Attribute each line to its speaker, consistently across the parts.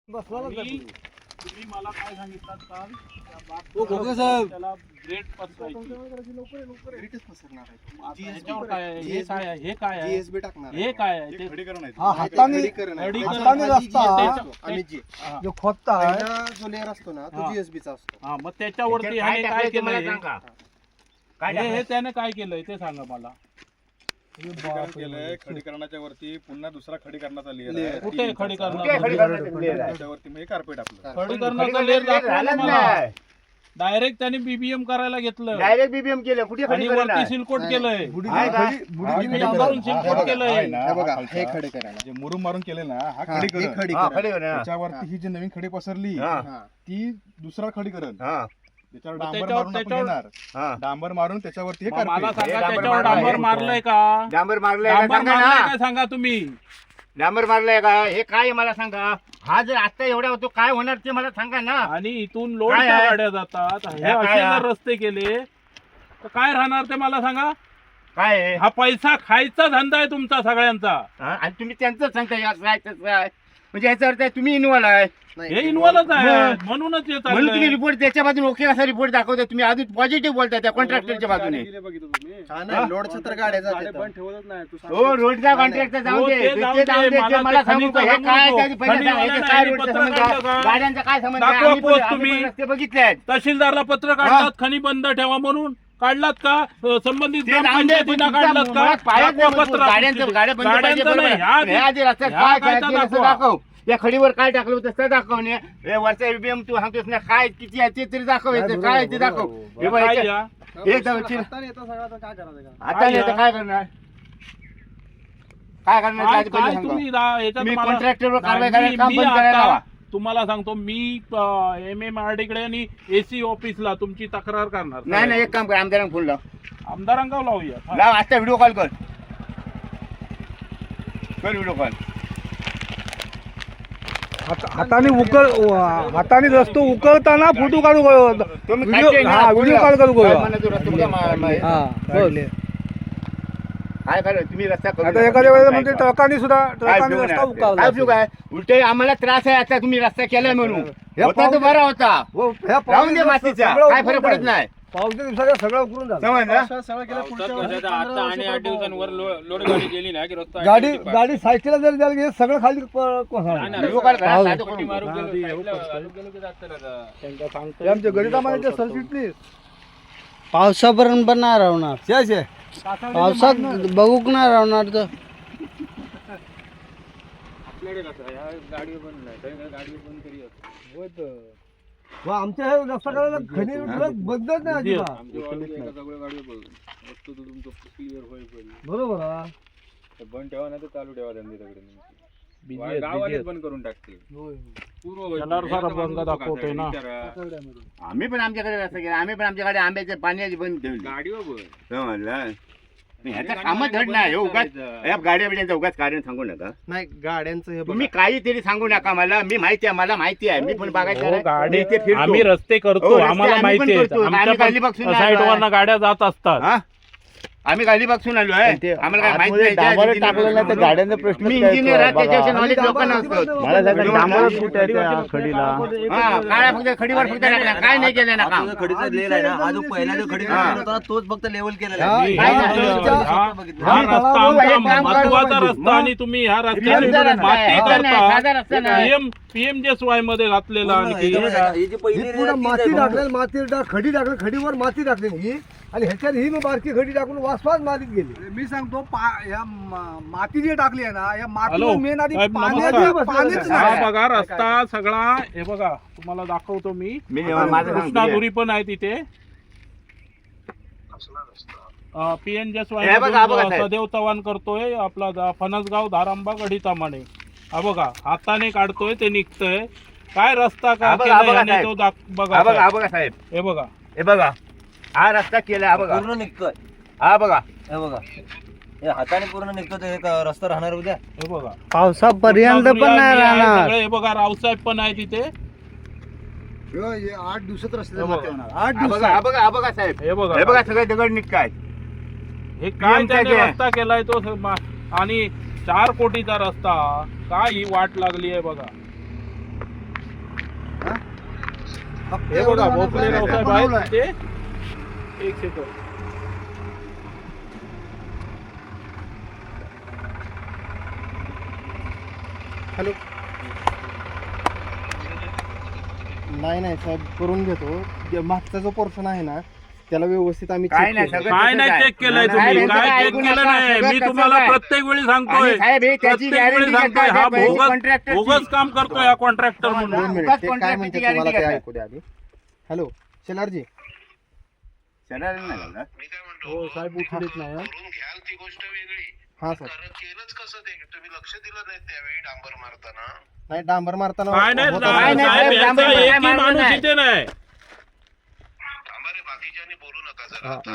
Speaker 1: तुम्ही मला काय सांगितलं काल त्याला ग्रेड पसरायची. ह्याच्यावर काय आहे? हे काय आहे? हे काय आहे? हे काय आहे? ते
Speaker 2: हाताने रस्ता जो खोदता
Speaker 3: जो लेअर असतो ना तो जीएसबीचा असतो.
Speaker 1: हा, मग त्याच्यावरती ह्याने काय केलंय? हे त्याने काय केलंय ते सांगा मला.
Speaker 4: खडीकरणाच्या वरती पुन्हा दुसरा खडीकरणाचा लेअर आहे.
Speaker 1: कुठे खडीकरण?
Speaker 4: त्याच्यावरती मग कार्पेट आपलं
Speaker 1: खडीकरणाचा लेअर दाखवला मला. डायरेक्ट त्यांनी बीबीएम करायला घेतलं.
Speaker 5: डायरेक्ट बीबीएम केलं. कुठे
Speaker 1: आणि वरती सिलकोट केलंय. डांबरून सिलकोट केलंय.
Speaker 3: हे खडीकरण
Speaker 4: जे मुरुम मारून केले ना हा खडीकरण. त्याच्यावरती ही जी नवीन खडी पसरली ती दुसरा खडीकरण. त्याच्यावर डांबर मारून आपण घेणार. डांबर मारून त्याच्यावरती हे
Speaker 1: मला
Speaker 4: कार्पेट.
Speaker 1: सांगा त्याच्यावर डांबर मारलंय का?
Speaker 5: डांबर मारलंय
Speaker 1: डांबर
Speaker 5: सांगा
Speaker 1: मारलंय
Speaker 5: ना.
Speaker 1: का सांगा तुम्ही.
Speaker 5: डांबर मारलंय का? हे काय मला सांगा. हा जर आता एवढा होतो काय होणार ते मला सांगा ना.
Speaker 1: आणि इथून लोडच्या गाड्या जातात. हे असे जर रस्ते केले तर काय राहणार ते मला सांगा.
Speaker 5: काय आहे?
Speaker 1: हा पैसा खायचा धंदा आहे तुमचा सगळ्यांचा.
Speaker 5: आणि तुम्ही त्यांचं सांगता म्हणजे याचा अर्थ आहे तुम्ही इन्व्हॉल्व आहे.
Speaker 1: हे इन्व्हॉल्वच आहे म्हणूनच हे
Speaker 5: म्हणून तुम्ही
Speaker 1: चाललंय.
Speaker 5: रिपोर्ट त्याच्या बाजूने ओके असा रिपोर्ट दाखवता. तुम्ही अजून पॉझिटिव्ह बोलताय त्या कॉन्ट्रॅक्टरच्या बाजूने.
Speaker 3: लोडच्या तर गाड्या जातात.
Speaker 5: हो रोडचा कॉन्ट्रॅक्टर जाऊ दे.
Speaker 1: हो, ते जाऊ
Speaker 5: ते जाऊ
Speaker 1: दे.
Speaker 5: दे.
Speaker 1: मला
Speaker 5: ते मला
Speaker 1: ते
Speaker 5: सांगू का? हे
Speaker 1: खनिज
Speaker 5: काय
Speaker 1: सांगू
Speaker 5: त्याची
Speaker 1: नको.
Speaker 5: पहिल्या
Speaker 1: खनिजवाल्यांना
Speaker 5: काय
Speaker 1: आणि
Speaker 5: रोडचा
Speaker 1: पत्र
Speaker 5: संबंध
Speaker 1: काढलं का?
Speaker 5: आहे? गाड्यांचा काय संबंध आहे?
Speaker 1: दाखवा
Speaker 5: आम्ही
Speaker 1: पोस्ट
Speaker 5: पण
Speaker 1: तुम्ही.
Speaker 5: रस्ते बघितले.
Speaker 1: तहसीलदारला पत्र काढलात खनी बंद ठेवा म्हणून. काढलात का? संबंधित ग्रामपंचायतीनं काढलात का? दाखवा पत्र. गाड्यांचं नाही.
Speaker 5: दाखव या खडीवर काय टाकलं होतं ते दाखवणे. वरचा बीबीएम तू सांगतोस ना काय किती आहे ते तरी दाखवायचं. काय ते दाखव. हे बघ,
Speaker 1: काय या?
Speaker 5: हे जाऊ चिर. आता नाही तर काय करणार. काय करणार
Speaker 1: काय
Speaker 5: ते
Speaker 1: काय
Speaker 5: पहिले सांगा.
Speaker 1: तुम्ही याच्यात
Speaker 5: तुम्ही
Speaker 1: मला-
Speaker 5: कॉन्ट्रॅक्टरवर कारवाई
Speaker 1: नाही,
Speaker 5: करायला काम
Speaker 1: मी
Speaker 5: बंद करायला
Speaker 1: आता
Speaker 5: लावा.
Speaker 1: तुम्हाला सांगतो मी MMRD आणि AC ऑफिसला तुमची तक्रार करणार.
Speaker 5: नाही नाही एक काम कर आमदारांना फोन लाव.
Speaker 1: आमदारांका लावूया.
Speaker 5: लाव आता व्हिडिओ कॉल कर व्हिडिओ कॉल.
Speaker 2: हाताने रस्तो उकळताना फोटो काढू
Speaker 5: तुम्ही
Speaker 2: व्हिडिओ कॉल करू
Speaker 5: काय करू तुम्ही रस्ता करू
Speaker 2: आता
Speaker 5: नका.
Speaker 2: एखाद्या वेळेला म्हणजे ट्रकाने
Speaker 5: काय उपयोग
Speaker 2: रस्ता
Speaker 5: नाही.
Speaker 2: उकळला
Speaker 5: काय उपयोग आहे? उलटे आम्हाला त्रास आहे आता तुम्ही रस्ता केलाय म्हणून. होता तो बरा होता. राहून दे मातीचा काय फरक पडत नाही.
Speaker 2: पावसाच्या दिवसाला सगळं उकळून झालं.
Speaker 5: समजलं.
Speaker 2: गाडी सायकलला जर द्यायला गेली सगळं खाली कोसळणार.
Speaker 5: व्हिडिओ कॉल करा. साधं कोटी
Speaker 2: आमच्या गणितामाच्या सरचिटणीस
Speaker 6: पावसापर्यंत पण नाही राहणार. पावसात बघूक नाही राहणार तर
Speaker 2: आमच्या हे रस्ता करायला खनी बंदच नाही अजिबात. बरोबर आहे.
Speaker 4: बंद ठेवा नाही तर चालू ठेवा त्यांनी बंद करून टाकते.
Speaker 1: दाखवतोय ना.
Speaker 5: आम्ही पण आमच्याकडे रस्ता केला. आम्ही पण आमच्याकडे आंब्याचे पाण्याची बंद ठेवली. समजलं. ह्याचा कामच धड नाही. उगाच गाड्या बिड्यांचा उगाच कारण सांगू नका.
Speaker 3: नाही गाड्यांचं हे
Speaker 5: तुम्ही काहीतरी सांगू नका. मला मला माहिती आहे. मी पण बघायचं
Speaker 1: हो, गाडी
Speaker 5: इथे फिरतो.
Speaker 1: आम्ही रस्ते करतो.
Speaker 5: हो, रस्ते
Speaker 1: आम्हाला
Speaker 5: आम्ही
Speaker 1: माहिती
Speaker 5: पण
Speaker 1: आहे.
Speaker 5: करतो. आम्ही गालीबक्षून नाही
Speaker 1: साईडवरनं गाड्या जात असतात.
Speaker 5: हा? आम्ही गालीबक्षून आलो आहे. आम्हाला काय माहिती नाही.
Speaker 6: टाकलं नाही तर गाड्यांचा प्रश्न
Speaker 5: मी इंजिनियर आहे. त्याच्याविषयी नॉलेज लोकांना असतं. काय फक्त खडीवर फक्त टाकला. काय नाही केलं ना काम.
Speaker 3: तोच फक्त लेवल केलेला
Speaker 1: हा रस्ता आमचा महत्वाचा रस्ता आणि तुम्ही ह्या रस्त्याने माती करता. PMJSY मध्ये घातलेला आणखी
Speaker 2: माती टाकलेली खडी टाकली खडीवर माती टाकलेली आणि ह्याच्यात ही मग बारकी खडी टाकून वासवास मातीत गेली. मी सांगतो माती जी टाकली आहे ना या मातीवर मेन आधी पाणीच
Speaker 1: हा
Speaker 2: नाही.
Speaker 1: बघा रस्ता सगळा. हे बघा तुम्हाला दाखवतो मी. कृष्णाधुरी पण आहे तिथे. PMJSY सदैव चव्हाण करतोय. आपला फणसगाव धारांबा गढीतामाने. हा बघा हाताने काढतोय ते निघतंय. काय रस्ता का केलाय तो बघा.
Speaker 5: बघा साहेब.
Speaker 1: हे बघा.
Speaker 5: हे बघा हा रस्ता केला. बघा
Speaker 3: पूर्ण निघतोय.
Speaker 5: हा बघा
Speaker 3: हे बघा हे हाताने पूर्ण निघतो ते रस्ता राहणार उद्या.
Speaker 1: हे बघा
Speaker 6: पावसापर्यंत पण नाही राहणार.
Speaker 1: सगळे. हे बघा रावसाहेब पण आहे तिथे.
Speaker 2: 8 दिवसात रस्ते
Speaker 5: 8 दिवसात. बघा साहेब.
Speaker 1: हे बघा.
Speaker 5: हे बघा सगळे दगड निघतायत.
Speaker 1: हे काय त्याने रस्ता केलाय तो आणि 4 कोटीचा रस्ता. काय ही वाट लागली आहे बघा. हे बघा भोसले रावसाहेब आहेत ते. एक सेकंद.
Speaker 4: हॅलो. नाही साहेब करून घेतो. मागचा जो पोर्शन आहे ना त्याला व्यवस्थित आम्ही
Speaker 5: काय
Speaker 4: check
Speaker 5: नाही
Speaker 4: केलं.
Speaker 5: सगळं
Speaker 1: काय
Speaker 5: तसंच
Speaker 1: नाही
Speaker 5: आहे.
Speaker 1: चेक केलंय
Speaker 5: नाही,
Speaker 1: तुम्ही?
Speaker 5: यांचं
Speaker 1: काय
Speaker 5: काय
Speaker 1: चेक
Speaker 5: ऐकू
Speaker 1: केलं
Speaker 5: नका,
Speaker 1: नाही?
Speaker 5: सगळं
Speaker 1: मी
Speaker 5: तसंच
Speaker 1: तुम्हाला
Speaker 5: आहे.
Speaker 1: प्रत्येक वेळी सांगतोय.
Speaker 5: आणि साहेब हे त्याची
Speaker 1: प्रत्येक वेळी
Speaker 5: गॅरंटी
Speaker 1: सांगतोय हा
Speaker 5: घेतात
Speaker 1: बोगस बोगस काम करतोय हा कॉन्ट्रॅक्टर म्हणून.
Speaker 4: 2 मिनिट.
Speaker 5: उगाच
Speaker 4: ते काय
Speaker 5: contract
Speaker 4: म्हणते
Speaker 5: ची
Speaker 4: तुम्हाला ते
Speaker 5: guarantee
Speaker 4: ऐकू द्या आधी. हॅलो शेलारजी.
Speaker 5: शेलार नाही झालं.
Speaker 1: हो साहेब उठलेच नाही हं.
Speaker 7: करून घ्याल ती गोष्ट वेगळी.
Speaker 4: हा सर.
Speaker 7: केलंच कसं ते तुम्ही लक्ष दिलं नाही त्यावेळी डांबर मारताना.
Speaker 4: नाही डांबर मारताना
Speaker 1: काय नाही
Speaker 4: होता.
Speaker 5: काय नाही,
Speaker 1: साहेब,
Speaker 5: साहेब,
Speaker 1: यांचा
Speaker 5: डांबर
Speaker 1: एकही
Speaker 5: मारलं
Speaker 1: माणूस
Speaker 5: नाही.
Speaker 1: इथे नाही.
Speaker 7: थांबा रे बाकीच्यांनी बोलू नका जरा
Speaker 4: हा.
Speaker 7: आता.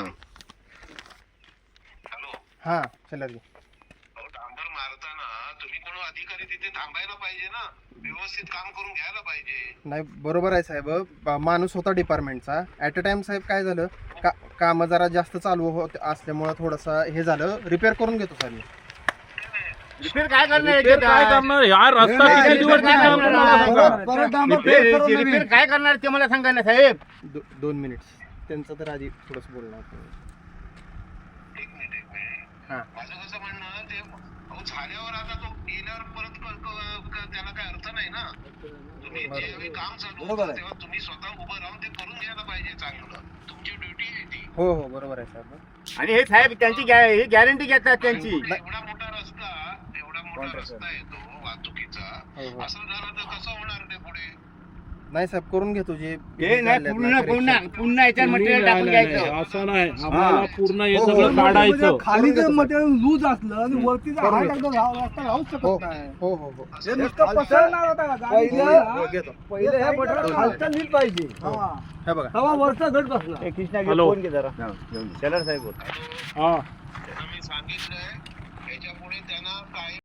Speaker 7: हॅलो.
Speaker 4: हा शेलारजी.
Speaker 7: अहो डांबर मारताना तुम्ही कोण अधिकारी तिथे थांबायला पाहिजे ना. व्यवस्थित काम करून घ्यायला पाहिजे.
Speaker 4: नाही बरोबर आहे साहेब. माणूस होता डिपार्टमेंटचा. ॲट अ टाइम साहेब काय झालं काम जरा जास्त चालू होत असल्यामुळं थोडंसं हे झालं. रिपेअर करून घेतो साहेब मी.
Speaker 5: रिपेअर काय करणार
Speaker 1: रिपेअर काय करणार? हा रस्ता
Speaker 5: नाही,
Speaker 1: किती दिवस
Speaker 5: रिपेअर काय
Speaker 1: टिकणार
Speaker 5: करणार?
Speaker 1: तुम्हाला सांगा.
Speaker 2: परत डांबर फेर करून नवीन.
Speaker 5: रिपेअर काय करणार ते मला सांगा ना साहेब.
Speaker 4: 2 मिनिट्स त्यांचं तर आधी थोडंसं बोलणार.
Speaker 7: एक मिनिट.
Speaker 4: हा.
Speaker 7: माझं कसं म्हणणं ते अहो झाल्यावर आता तो गेल्यावर परत त्याला काय अर्थ नाही ना. तुम्ही ज्यावेळी काम चालू होतं तेव्हा तुम्ही स्वतः उभं राहून ते करून घ्यायला पाहिजे चांगलं. तुमची ड्युटी आहे ती.
Speaker 4: हो हो बरोबर आहे साहेब.
Speaker 5: आणि हे साहेब त्यांची गॅरंटी घेतात त्यांची.
Speaker 7: एवढा मोठा रस्ता येतो वाहतुकीचा.
Speaker 4: हो, हो.
Speaker 7: असं झालं तर कसं होणार ते पुढे.
Speaker 4: नाही साहेब करून घेतो जे
Speaker 5: हे नाही पुन्हा याच्यात मटेरियल टाकून
Speaker 1: नाही,
Speaker 5: घ्यायचं.
Speaker 1: नाही, असं नाही. आम्हाला पूर्ण हे
Speaker 4: हो,
Speaker 1: सगळं
Speaker 4: हो.
Speaker 1: काढायचं.
Speaker 2: म्हणजे खाली जर मटेरियल लूज असलं आणि वरती जर
Speaker 4: करून
Speaker 2: हात
Speaker 4: घेतो.
Speaker 2: टाकलं रस्ता राहूच
Speaker 4: हो
Speaker 2: शकत नाही.
Speaker 4: हो हो हो
Speaker 2: हे नुसतं पसरणार होता का? गाडी
Speaker 4: हो,
Speaker 2: गेली
Speaker 4: घेतो.
Speaker 2: ना, पहिले हे मटेरियल खालचं नीट पाहिजे. हा.
Speaker 4: हे बघा.
Speaker 2: तेव्हा वरचा घट बसला.
Speaker 1: हॅलो.
Speaker 5: शेलार साहेब
Speaker 1: हा
Speaker 7: त्यांना मी सांगितलंय याच्या पुढे त्यांना काय